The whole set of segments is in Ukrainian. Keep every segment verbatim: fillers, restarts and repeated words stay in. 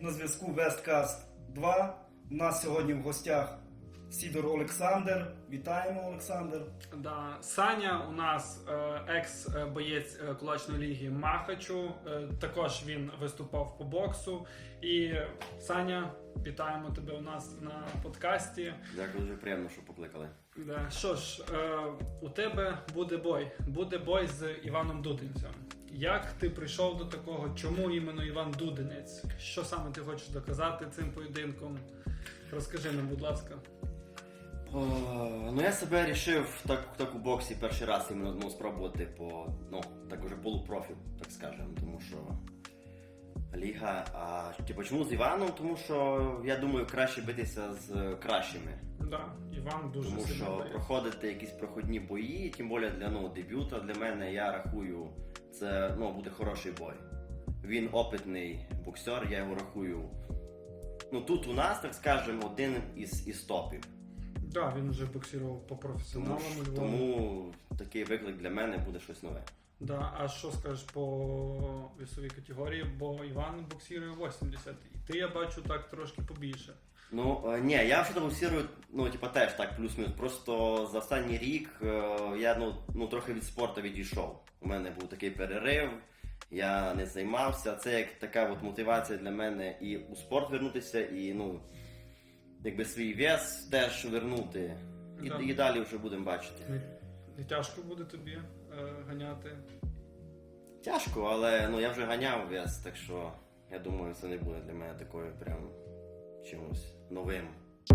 на зв'язку Весткаст два. У нас сьогодні в гостях Сідор Олександр. Вітаємо, Олександр. Да. Саня у нас е, екс-боєць е, кулачної ліги Махачу. Е, також він виступав по боксу. І Саня, вітаємо тебе у нас на подкасті. Дякую, дуже приємно, що покликали. Да. Що ж, е, у тебе буде бой. Буде бой з Іваном Дудинцем. Як ти прийшов до такого? Чому іменно Іван Дудинець? Що саме ти хочеш доказати цим поєдинком? Розкажи нам, будь ласка. О, ну я себе вирішив так, так у боксі перший раз іменно ну, спробувати по, ну, так уже полупрофі, так скажемо, тому що ліга, а типу, чому з Іваном? Тому що я думаю, краще битися з кращими. Да, Іван дуже Тому сильно що борець. проходити якісь проходні бої, тим більше для ну, дебюта, для мене, я рахую, це ну, буде хороший бой. Він опитний боксер, я його рахую. Ну тут у нас, так скажемо, один із, із топів. Да, він вже боксував по Тому, професіоналам у ж- Львові. тому такий виклик для мене буде щось нове. Да, а що скажеш по весовій категорії? Бо Іван боксує вісімдесят. І ти, я бачу, так трошки побільше. Ну, е, ні, я вже боксирую, ну, типа, теж так, плюс-мінус. Просто за останній рік е, я, ну, ну, трохи від спорту відійшов. У мене був такий перерив, я не займався. Це як така от мотивація для мене і у спорт вернутися, і, ну, якби свій вес теж вернути. І, Да. і далі вже будемо бачити. Не, не тяжко буде тобі е, ганяти. Тяжко, але ну, я вже ганяв вес, так що я думаю, це не буде для мене такою прям чимось новим.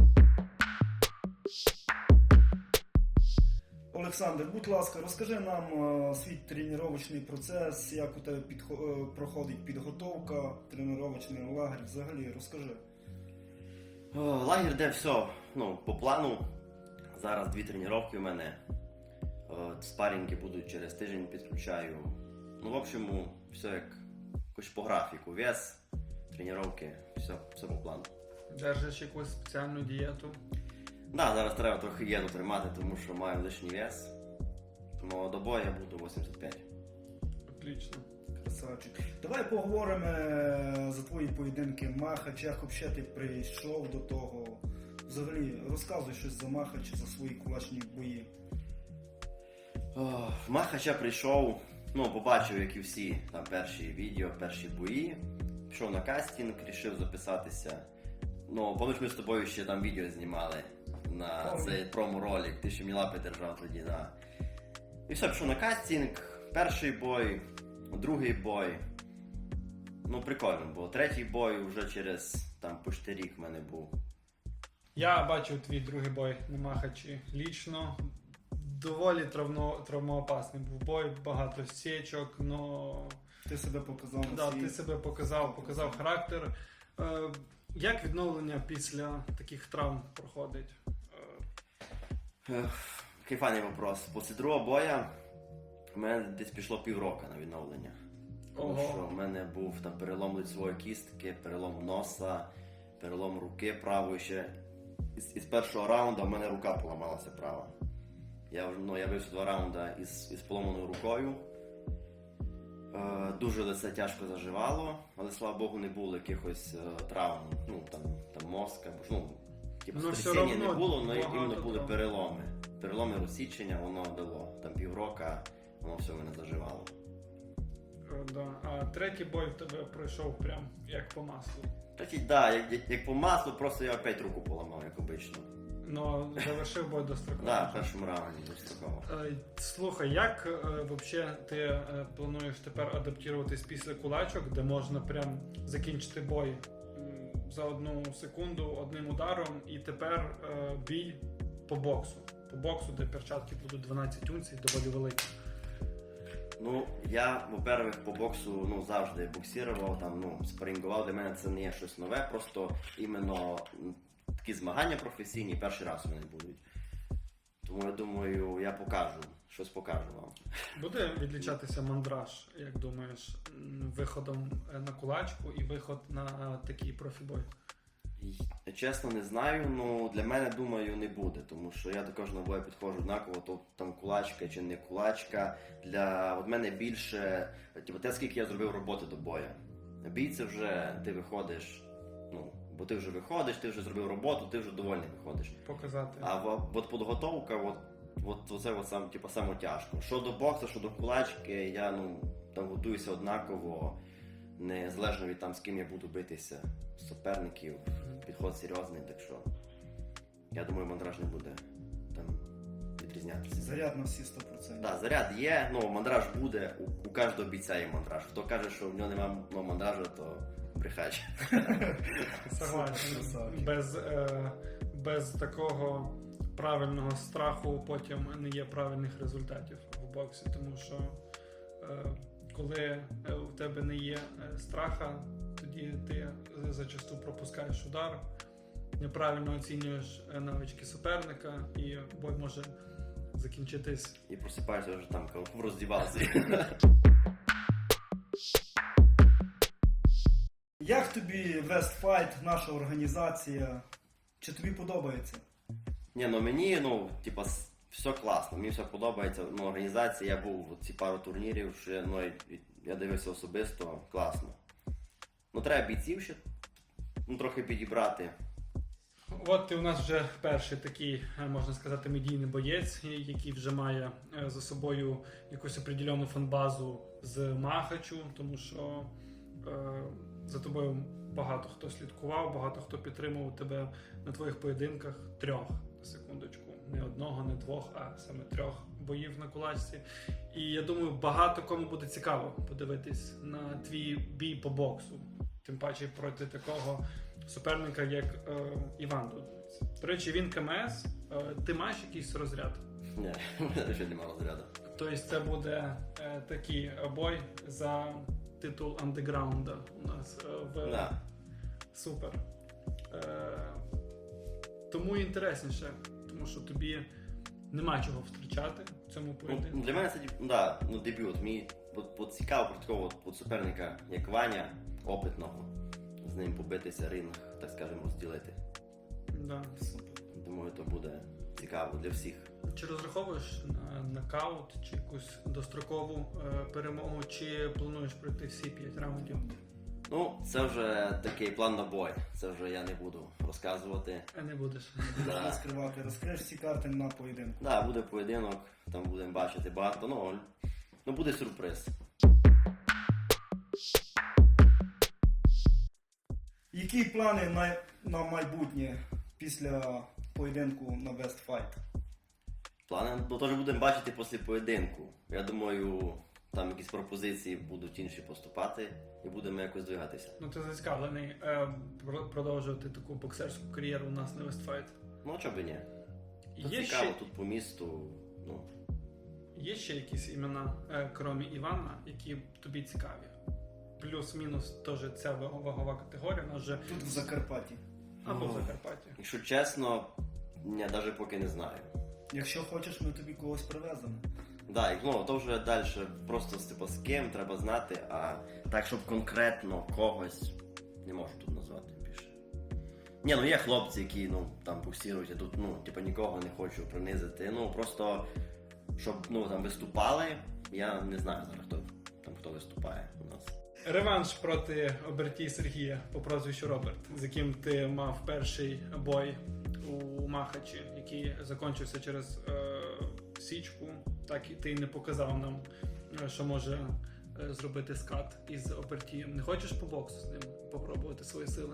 Олександр, будь ласка, розкажи нам е, свій тренувальний процес, як у тебе підхо- е, проходить підготовка, тренувальний лагерь, взагалі, розкажи. О, лагерь, де все ну, по плану. Зараз дві тренування у мене. О, спарінги будуть через тиждень, підключаю. Ну, в общем, все як якось по графіку. Вес, тренування, все, все по плану. Держиш якусь спеціальну дієту. Да, зараз треба трохи єду тримати, тому що маю лишній вес. Тому до бою я буду вісімдесят п'ять. Отлично. Красавчик. Давай поговоримо е, за твої поєдинки Махач, як взагалі ти прийшов до того. Взагалі, розказуй щось за Махач, за свої кулачні бої. О, в Махача прийшов, ну, побачив, як і всі, там перші відео, перші бої. Пішов на кастинг, вирішив записатися. Ну, пам'ятаєш, ми з тобою ще там відео знімали на Помню. цей промо-ролик, ти ще мені лапи держав тоді, да. І все, пішов на кастинг, перший бой, другий бой. Ну, прикольно було. Третій бой вже через там почти рік в мене був. Я бачив твій другий бой на Махачі лічно. Доволі травно, травмоопасний був бой, багато січок, но Ти себе показав на да, свій- ти себе показав, показав характер. Е, як відновлення після таких травм проходить? Е, Ех, Кайфаний вопрос. Після другого боя в мене десь пішло півроку на відновлення. Тому Ого. що в мене був там перелом лицевої кістки, перелом носа, перелом руки правої ще. Із, із першого раунду в мене рука поламалася права. Я, вже- ну, я вився два раунди із, із поломаною рукою. Е, дуже лице тяжко заживало, але слава Богу не було якихось е, травм, ну там, там мозка, бо ж, ну, типу, Ну, все стрясіння не равно було, але багато іменно були травм. переломи. Переломи розсічення, воно дало. Там піврока, воно все в мене заживало. е, да. А третій бой в тебе пройшов прям як по маслу. Так, да, як, як, як по маслу, просто я опять руку поламав, як обично. Ну, завершив бой достроково. Да, в першому раунді достроково. Е, Слухай, як е, вообще ти е, плануєш тепер адаптуватись після кулачок, де можна прям закінчити бой м, за одну секунду одним ударом, і тепер е, бій по боксу. По боксу, де перчатки будуть дванадцять унцій, доволі великі. Ну, я, во-первых, по боксу ну, завжди боксував, там, ну, спарингував, для мене це не є щось нове, просто іменно м, такі змагання професійні перший раз у мене будуть. Тому я думаю, я покажу, щось покажу вам. Буде відлічатися мандраж, як думаєш, м, виходом е, на кулачку і виход на такий профібой? Я чесно не знаю, ну для мене, думаю, не буде, тому що я також на бой підходжу однаково, то там кулачка чи не кулачка. Для от мене більше, типу, те, скільки я зробив роботи до бою. Бій це вже ти виходиш Ну, бо ти вже виходиш, ти вже зробив роботу, ти вже довольний виходиш. Показати. А в- от підготовка, от, от це от сам, типу, саме тяжко. Що до боксу, що до кулачки, я ну, там готуюся однаково, незалежно від там, з ким я буду битися, суперників, підход серйозний, так що я думаю, мандраж не буде там відрізнятися. Заряд на всі сто відсотків. Да, заряд є, ну мандраж буде, у, у кожного бійця є мандраж. Хто каже, що в нього немає ну, мандражу, то брехач. Согласен. Красавчик. Без, е, без такого правильного страху потім не є правильних результатів в боксі, тому що е, коли е, у тебе не є е, страха, тоді ти зачасту пропускаєш удар, неправильно оцінюєш е, навички суперника, і бой може закінчитись. І просипаєшся вже там, в роздівалці. Як тобі Westfight, наша організація? Чи тобі подобається? Ні, ну мені, ну, типа, с- все класно, мені все подобається. Ну, організація, я був в ці пару турнірів, що я, ну, і- я дивився особисто, класно. Ну, треба бійців ще ну, трохи підібрати. От ти у нас вже перший такий, е, можна сказати, медійний боєць, який вже має е, за собою якусь определену фанбазу з Махачу, тому що е, за тобою багато хто слідкував, багато хто підтримував тебе на твоїх поєдинках трьох, на секундочку. Не одного, не двох, а саме трьох боїв на кулачці. І я думаю, багато кому буде цікаво подивитись на твій бій по боксу. Тим паче проти такого суперника, як е, Іван Дудниць. До речі, він КМС. Е, ти маєш якийсь розряд? Ні, у мене ще немає розряду. Тобто це буде е, такий бой за титул андеграунда у нас е, в Да. Супер. Е, тому інтересніше, тому що тобі нема чого втрачати в цьому Ну, поєдинку. для мене це деб- да, ну, дебют. Мені от, от цікаво про такого от, от суперника, як Ваня, опитного. З ним побитися ринг, так скажемо, розділити. Да. Супер. Думаю, то буде цікаво для всіх. Чи розраховуєш на нокаут, чи якусь дострокову е, перемогу, чи плануєш пройти всі п'ять раундів? Ну, це вже такий план на бой. Це вже я не буду розказувати. А не будеш. Да. Розкривати, розкриєш всі карти на поєдинку. Да, буде поєдинок, там будемо бачити багато, ну, ну буде сюрприз. Які плани на, на майбутнє після поєдинку на Westfight? Плани, ну теж будемо бачити після поєдинку. Я думаю, там якісь пропозиції будуть інші поступати і будемо якось двигатися. Ну ти зацікавлений е, про- продовжувати таку боксерську кар'єру у нас на Westfight. Ну, чого б і ні. Тут Є цікаво, ще, тут по місту, ну, є ще якісь імена, е, крім Івана, які тобі цікаві? Плюс-мінус теж ця ваг- вагова категорія, вона вже Тут в Закарпатті. або в Ну. Закарпатті. якщо чесно, я навіть поки не знаю. Якщо хочеш, ми тобі когось привеземо. Да, і, ну, то вже далі просто типу, з ким треба знати, а так, щоб конкретно когось не можу тут назвати більше. Ні, ну є хлопці, які ну, там боксірують, я тут ну, типу, нікого не хочу принизити. Ну просто щоб ну, там виступали, я не знаю зараз, хто там хто виступає у нас. Реванш проти оберті Сергія по прозвищу Роберт, з яким ти мав перший бой у Махачі, який закінчився через е, січку. Так і ти не показав нам, е, що може е, зробити скат із обертієм. Не хочеш по боксу з ним попробувати свої сили?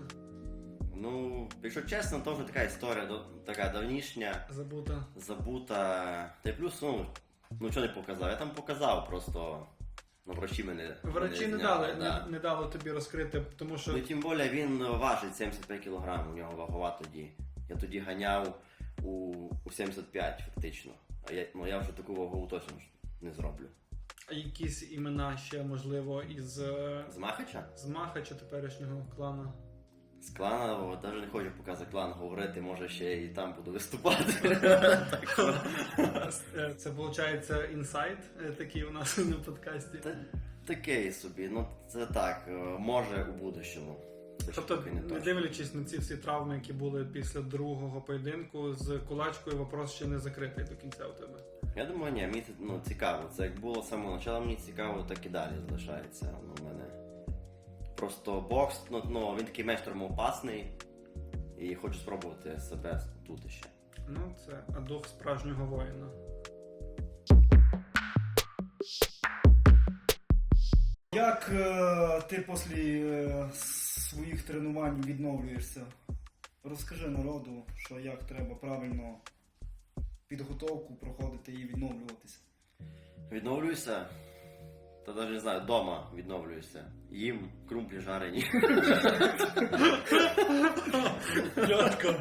Ну, якщо чесно, то вже така історія до- така давнішня, Забута. забута. Та й плюс, ну, ну що не показав? Я там показав, просто ну, врачі мене. Врачі не зняли, дали, да. не, не дали тобі розкрити, тому що Ну, і тим більше він важить сімдесят п'ять кілограмів, у нього вагова тоді. Я тоді ганяв у, у сімдесят п'ять фактично. А я, ну, я вже таку вагову точно ж не зроблю. якісь імена ще, можливо, із, е, З Махача? з Махача теперішнього клана. З клана, о, навіть не хочу поки за клан говорити, може ще і там буду виступати. Так що, Е, Це, виходить, інсайт е, такий у нас на подкасті. та, таке собі, ну це так, е, може у будущому. Це ще Тобто, поки не не точно. дивлячись на ці всі травми, які були після другого поєдинку, з кулачкою вопрос ще не закритий до кінця у тебе. Я думаю, ні, мені це ну, цікаво. Це як було з самого початку, мені цікаво, так і далі залишається. Ну, у мене Просто бокс, ну, ну він такий менш травмоопасний. І хочу спробувати себе тут ще. Ну, це дух справжнього воїна. Як е, ти після е, своїх тренувань відновлюєшся? Розкажи народу, що як треба правильно підготовку проходити і відновлюватися. Відновлююся. Та навіть не знаю, вдома відновлююся. Їм крумплі жарені. Льотко.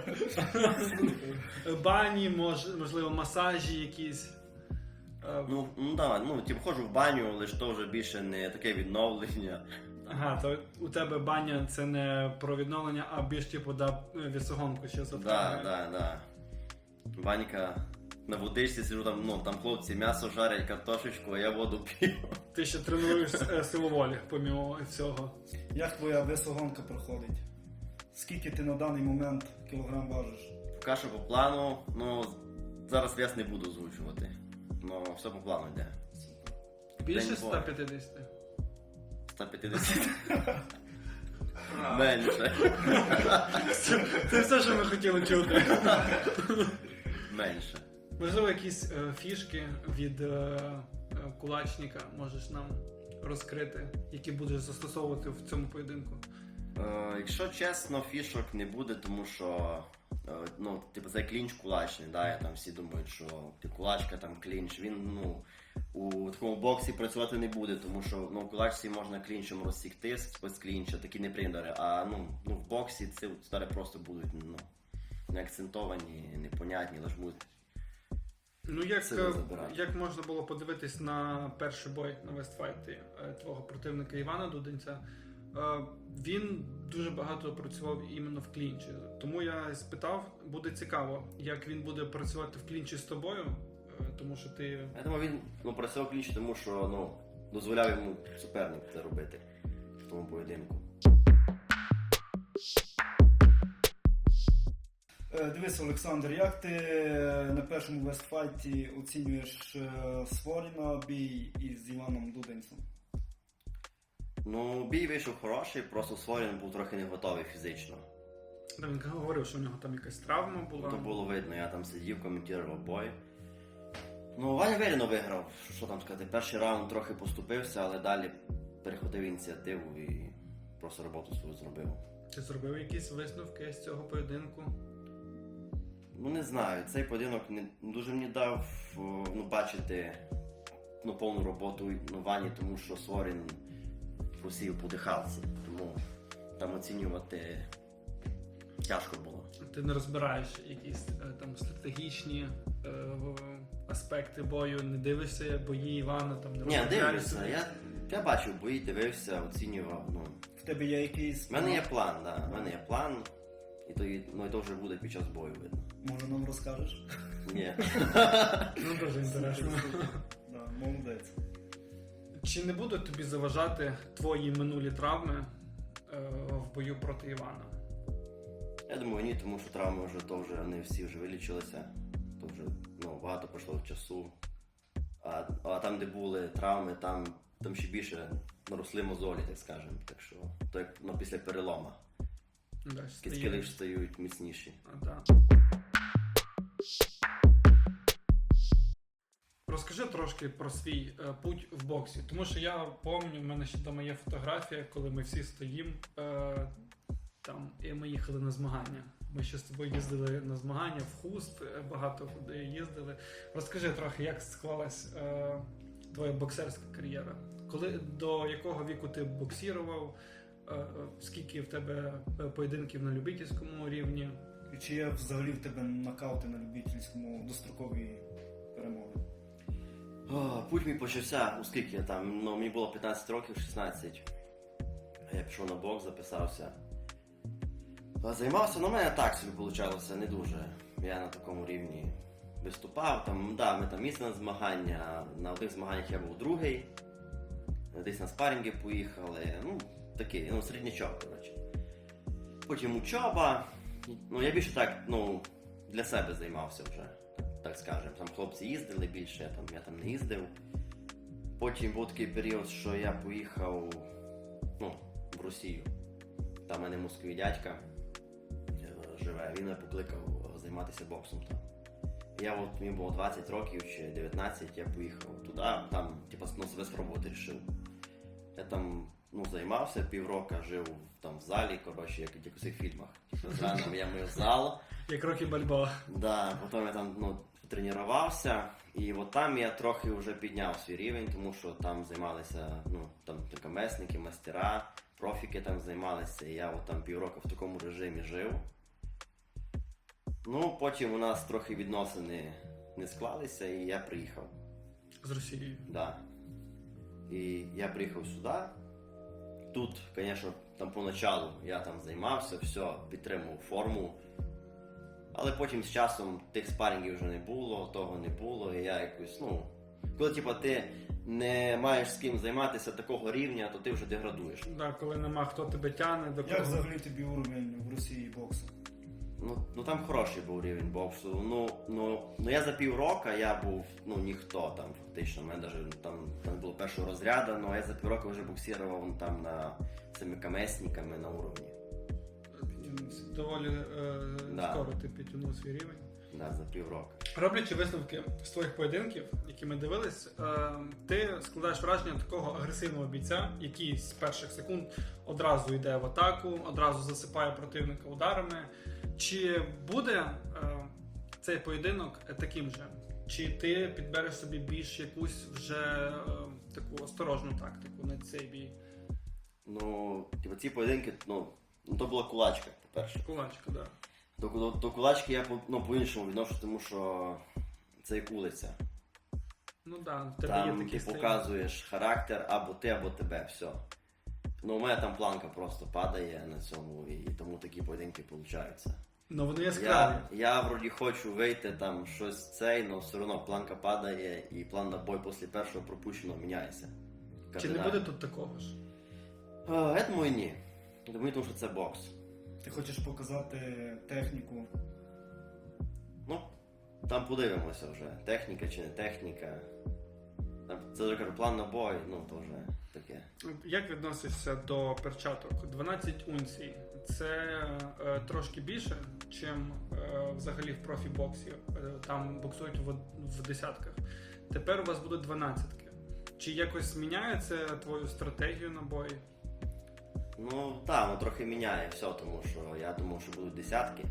Бані, мож, можливо, масажі якісь. Е, Ну, ну да, ну, типу, ходжу в баню, лише то вже більше не таке відновлення. Ага, то у тебе баня це не про відновлення, а більш типу да, вісогонку ще Да, затягує. да, да. Банька на водичці сижу, там, ну, там хлопці м'ясо жарять, картошечку, а я воду п'ю. Ти ще тренуєш е, силу волі, помімо всього. Як твоя весогонка проходить? Скільки ти на даний момент кілограм важиш? Каша по плану, ну, зараз вес не буду озвучувати. Ну, все по плану йде. Більше День ста п'ятдесят? сто п'ятдесят. Менше. Це все, що ми хотіли чути. Менше. Можливо, якісь е, фішки від е, е, кулачника можеш нам розкрити, які будеш застосовувати в цьому поєдинку. Е, якщо чесно, фішок не буде, тому що е, ну, типу, це клінч кулачний, да, і там всі думають, що ти кулачка, там клінч, він ну, у такому боксі працювати не буде, тому що ну, в кулачці можна клінчем розсікти з клінча, такі неприємні удари, а ну, ну, в боксі ці удари просто будуть ну, не акцентовані, непонятні, лише будуть. Ну, як, Сили е, забирати. як можна було подивитись на перший бой на Вестфайті е, твого противника Івана Дуденця, е, він дуже багато працював іменно в клінчі. Тому я спитав, буде цікаво, як він буде працювати в клінчі з тобою, е, тому що ти. Я думаю, він ну, працював клінч, тому що ну, дозволяв йому суперник це робити в тому поєдинку. Е, Дивись, Олександр, як ти на першому вестфайті оцінюєш е, Своріна бій із Іваном Дуденцем? Ну, бій вийшов хороший, просто Сворін був трохи не готовий фізично. Та він говорив, що в нього там якась травма була. То було видно, я там сидів, коментував бой. Ну, Ваня вирівно виграв, що там сказати, перший раунд трохи поступився, але далі перехватив ініціативу і просто роботу свою зробив. Ти зробив якісь висновки з цього поєдинку? Ну, не знаю, цей поєдинок не дуже мені дав о, ну, бачити ну, повну роботу ну, Вані, тому що Сворін просів по дихалці, тому там оцінювати тяжко було. Ти не розбираєш якісь е, там стратегічні е, в- аспекти бою, не дивишся бої Івана, там не Ні, розробляєш дивлюся, собі? я, я бачив бої, дивився, оцінював. Ну. В тебе є якийсь... У мене є план, да. У мене є план, і то, і- ну, і то вже буде під час бою видно. Може нам розкажеш? Ні. Ну, дуже інтересно. Да, молодець. Чи не будуть тобі заважати твої минулі травми е, в бою проти Івана? Я думаю, ні, тому що травми вже то вже не всі вже вилічилися, то вже ну, багато пройшло часу. А, а там, де були травми, там, там ще більше наросли мозолі, так скажемо. Так що, то як ну, після перелома. Да, Кістки стає- лише стають міцніші. А, да. Розкажи трошки про свій е, путь в боксі, тому що я пам'ятаю, в мене ще вдома є фотографія, коли ми всі стоїмо е, там, і ми їхали на змагання. Ми ще з тобою їздили на змагання в Хуст, е, багато куди їздили. Розкажи трохи, як склалась е, твоя боксерська кар'єра? Коли, до якого віку ти боксірував? Е, е, скільки в тебе е, поєдинків на любительському рівні? І чи є взагалі в тебе нокаути на любительському дострокові перемоги? О, путь мій почався, у скільки я там, ну мені було п'ятнадцять років, шістнадцять. Я пішов на бокс, записався. А Займався, ну в мене так собі вийшло, не дуже. Я на такому рівні виступав, там, да, ми там їздили на змагання, на одних змаганнях я був другий, десь на спарринги поїхали, ну такий, ну середнячок, коротше. Потім учоба, ну я більше так, ну, для себе займався вже. Так скажемо, там хлопці їздили більше, там, я там не їздив. Потім був такий період, що я поїхав, ну, в Росію. Там в мене московий дядька е, живе, він мене покликав е, займатися боксом там. Я от, мені було двадцять років чи дев'ятнадцять, я поїхав туди, там, типу, ну, себе спробувати рішив. Я там, ну, займався півроку, жив там в залі, коротше, як в якихось фільмах. Типу, зранку я мив зал, Як Рокі Бальбоа. да, потім я там, ну, тренувався, і от там я трохи вже підняв свій рівень, тому що там займалися, ну, там токамесники, мастера, профіки там займалися, і я от там півроку в такому режимі жив. Ну, потім у нас трохи відносини не склалися, і я приїхав. З Росією. Да. І я приїхав сюди. Тут, звісно, там поначалу я там займався, все, підтримував форму. Але потім з часом тих спарингів вже не було, того не було, і я якось, ну... Коли, типу, ти не маєш з ким займатися такого рівня, то ти вже деградуєш. Да, коли нема хто тебе тягне, до Як кого. взагалі тобі уровень в Росії боксу? Ну, ну там хороший був рівень боксу. Ну, ну, ну я за півроку я був, ну, ніхто там фактично. У мене навіть там, там було першого розряду, але я за півроку вже боксував там на цими камесниками на уровні. Доволі е, Да. скоро ти підтягнув свій рівень. Да, за півроку. Роблячи висновки з твоїх поєдинків, які ми дивились, е, ти складаєш враження такого агресивного бійця, який з перших секунд одразу йде в атаку, одразу засипає противника ударами. Чи буде е, цей поєдинок таким же? Чи ти підбереш собі більш якусь вже е, таку осторожну тактику на цей бій? Ну, типу, ці поєдинки, ну, ну то була кулачка, по-перше. Кулачка, да. До, до, до кулачки я по- ну, по-іншому відношу, тому що це як вулиця. Ну да, в тебе Там є ти такий стиль. показуєш характер або ти, або тебе, все. Ну, у мене там планка просто падає на цьому, і тому такі поєдинки получаються. Ну вони яскраві. Я, я вроді хочу вийти там щось цей, але все одно планка падає і план на бой після першого пропущеного міняється. Чи не Кардинально. буде тут такого ж? А, я думаю, ні. Я думаю, тому що це бокс. Ти хочеш показати техніку? Ну, там подивимося вже. Техніка чи не техніка. Там, це вже кажу, план на бой, ну то вже таке. Як відносишся до перчаток? дванадцять унцій. Це е, трошки більше, чим е, взагалі в профі-боксі. Е, там боксують в, в десятках. Тепер у вас будуть дванадцятки. Чи якось зміняється твою стратегію на бої? Ну, так, воно трохи міняє все, тому що я думав, що будуть десятки.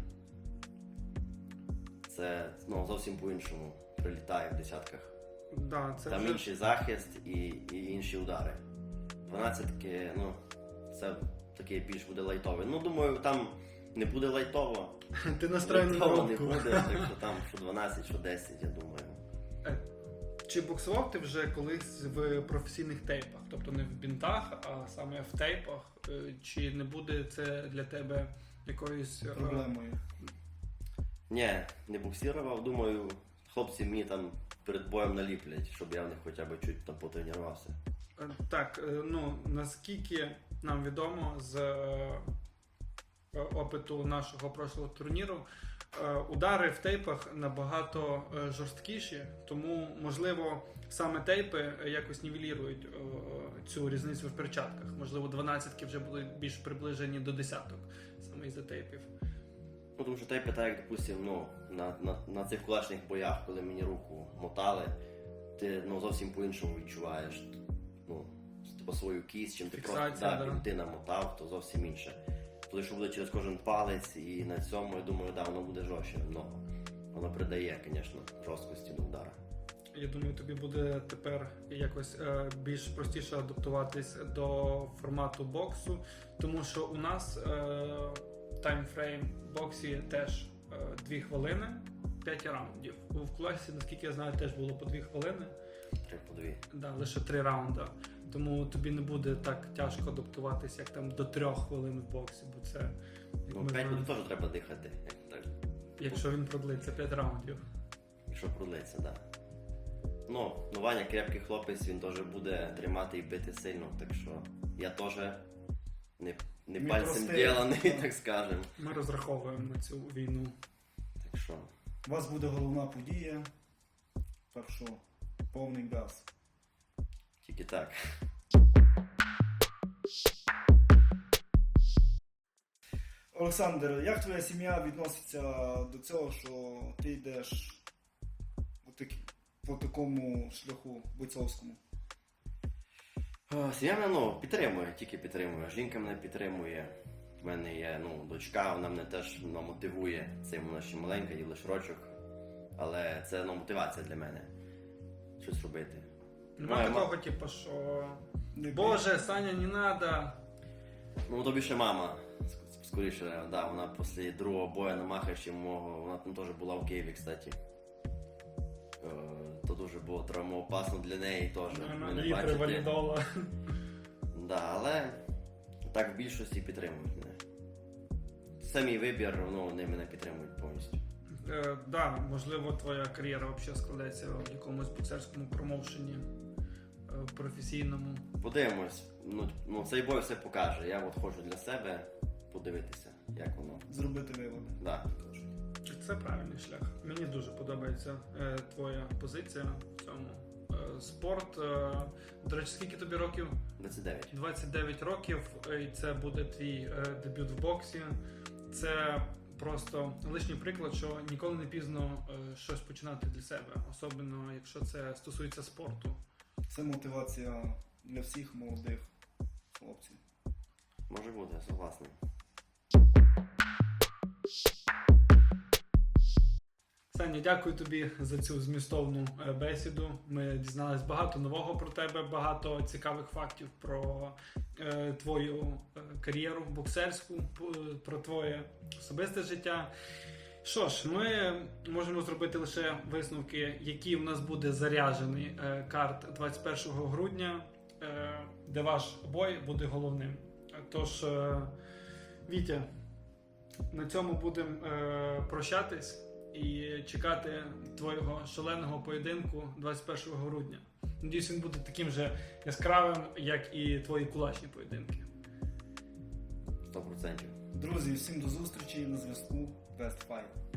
Це, ну, зовсім по-іншому прилітає в десятках. Да, це Там вже... інший захист і, і інші удари. дванадцятки, ну, це такий більш буде лайтовий. Ну, думаю, там не буде лайтово. Ти настроєний на Лайтово не рубку. буде, так що там що дванадцять, що десять, я думаю. Чи боксував ти вже колись в професійних тейпах? Тобто не в бінтах, а саме в тейпах? Е, Чи не буде це для тебе якоюсь е, Проблемою. Ні, не боксірував, думаю, хлопці мені там перед боєм наліплять, щоб я в них хоча б чуть там потренувався. Е, Так, е, ну наскільки нам відомо з е, опиту нашого прошлого турніру, е, удари в тейпах набагато е, жорсткіші, тому можливо саме тейпи якось нівелірують е, цю різницю в перчатках. Можливо, дванадцятки вже будуть більш приближені до десяток саме із-за тейпів. Ну, тому що той питає, як, допустим, ну, на, на, на цих кулачних боях, коли мені руку мотали, ти, ну, зовсім по-іншому відчуваєш, ну, типу, свою кість, чим ти Фіксація, просто да, да. бінти намотав, то зовсім інше. Коли що буде через кожен палець, і на цьому, я думаю, да, воно буде жорстче, но воно придає, звісно, жорсткості до удара. Я думаю, тобі буде тепер якось е, більш простіше адаптуватись до формату боксу, тому що у нас е, таймфрейм в боксі теж е, дві хвилини, п'ять раундів. В класі, наскільки я знаю, теж було по дві хвилини, Три по дві. да, лише три раунди. Тому тобі не буде так тяжко адаптуватись, як там до трьох хвилин в боксі, бо це, як Ну, ми п'ять знаємо, буде теж треба дихати, як так, якщо він продлиться п'ять раундів. якщо пролиться, да. Ну, ну, Ваня крепкий хлопець, він теж буде тримати і бити сильно, так що я теж не, не Не пальцем простий. діланий, так скажем. Ми розраховуємо на цю війну. Так що, У вас буде головна подія. Так що повний газ. тільки так. Олександр, як твоя сім'я відноситься до цього, що ти йдеш по, такі- по такому шляху бойцовському? Е, Сім'я мене ну, підтримує, тільки підтримує. Жінка мене підтримує. У мене є ну, дочка, вона мене теж ну, мотивує. Це вона ще маленька, їй лише рочок. Але це ну, мотивація для мене. Щось робити. Нема Моя такого, ма- типу, що Не Боже, Саня, не надо. Ну, тобі ще мама. ск- Скоріше, да, вона після другого бою на Махачі мого, вона там теж була в Києві, кстати. Е, То дуже було травмоопасно для неї теж. Ви не Літри бачите. валідола. Да, але так в більшості підтримують мене. Це мій вибір, ну, вони мене підтримують повністю. Е, да, можливо, твоя кар'єра взагалі складеться в якомусь боксерському промоушені е, професійному. Подивимось, ну, ну цей бой все покаже. Я от хочу для себе подивитися, як воно. зробити виводи. Да. Це правильний шлях. Мені дуже подобається е, твоя позиція в цьому. Е, спорт. Е, до речі, скільки тобі років? двадцять дев'ять. двадцять дев'ять років, е, і це буде твій е, дебют в боксі. Це просто лишній приклад, що ніколи не пізно е, щось починати для себе, особливо якщо це стосується спорту. Це мотивація для всіх молодих хлопців. Може бути, я согласний. Саня, дякую тобі за цю змістовну е, бесіду. Ми дізналися багато нового про тебе, багато цікавих фактів про е, твою е, кар'єру боксерську, п- про твоє особисте життя. Що ж, ми можемо зробити лише висновки, які в нас буде заряджений е, карт двадцять першого грудня, е, де ваш бой буде головним. Тож, е, Вітя, на цьому будемо е, прощатись і чекати твого шаленого поєдинку двадцять першого грудня. Надіюсь, він буде таким же яскравим, як і твої кулачні поєдинки. сто процентів. Друзі, всім до зустрічі на зв'язку Best Fight.